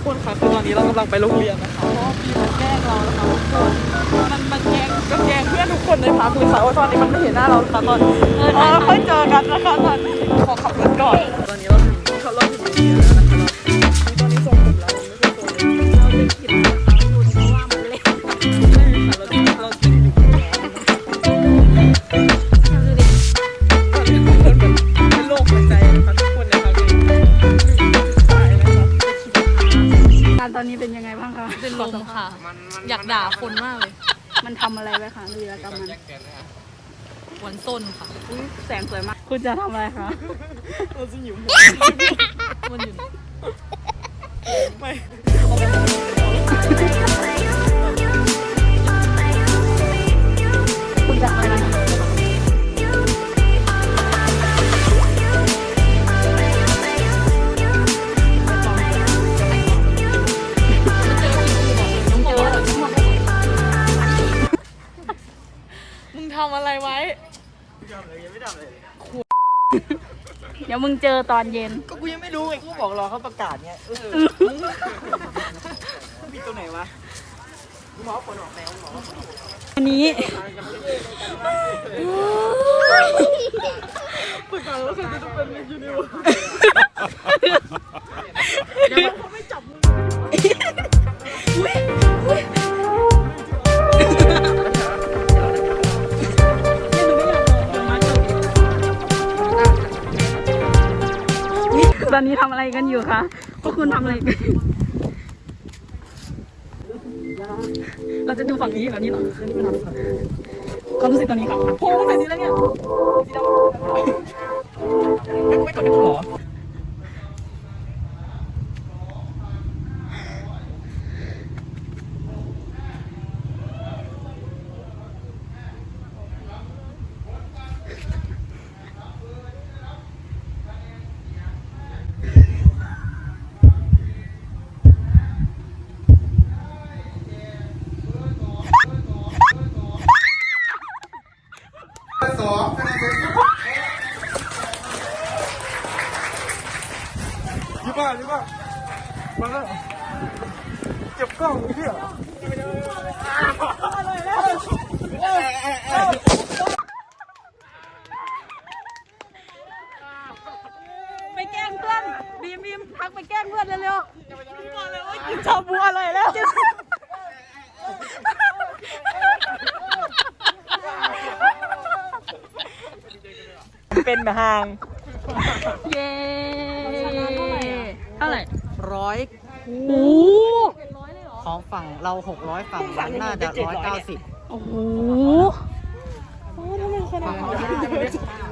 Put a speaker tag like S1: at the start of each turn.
S1: คนคะคือตอนนี้เรากำลังไปโรงเรียนนะคะเพราะว่าพี่มันแกล้งเรานะคะทุกคนมันแกล้งเพื่อนทุกคนในพักเลยค่ะว่าตอนนี้มันไม่เห็นหน้าเราค่ะตอนค่อยเจอกันนะคะตอนนี้ขอขับรถก่อนตอนนี้เราถึงโรงเรียนแล้วนะคะตอนนี้ส่งผมแล้วไม่เคยส่งเลยเราเล่นผิดนะคะดูเพราะว่ามันเล่นใช่ค่ะเราติดอยู่เป็นโรคหัวใจนะคะทุกคนนะคะ
S2: การตอนนี้เป็นยังไงบ้างคะ
S3: เป็นลมค่ะ อยากด่าคนมากเลย
S2: มันทำอะไรไว้คะวีรกรรมมัน
S3: หวนส้นค่ะ
S2: อุ้ยแสงสวยมาก คุณจะทำอะไรคะ
S1: เราจะหิวหัว
S3: มันอยู่
S1: ไม่
S2: คุณจะอะไร
S3: มึงทำอะไรไว้
S2: เดี๋ยวมึงเจอตอนเย็น
S1: ก็กูยังไม่รู้ไงกูบอกรอเขาประกาศไงผิดตรงไหนวะหมอผลออกแล้วหมอ
S2: อันนี้
S1: ประกาศแล้วใครจะต้องเป็นยูนิวเขาไม่จับมือ
S2: ตอนนี้ทำอะไรกันอยู่คะพวกคุณทำอะไรกันเราจะดูฝั่งนี้แบบนี้เหรอความรู้สึกตอนนี้ครับโอ้ใส่สีอะไรเนี่ยสีดำไม่กดได้หรอ
S1: ยี่บ้ามาแล้วเก็บกล้องเพื่อ
S2: ไปแกล้งเพื่อนบีมทักไปแกล้งเพื่อนเร็วๆบอกเลยว่ากินชาบูอร่อยแล้ว
S1: เป็นหาง
S2: เย้เท่าไหร่
S4: 100
S2: โอ้
S4: ของฝั่งเรา600ฝั่งนั้นน่าจะ190
S2: โอ้โห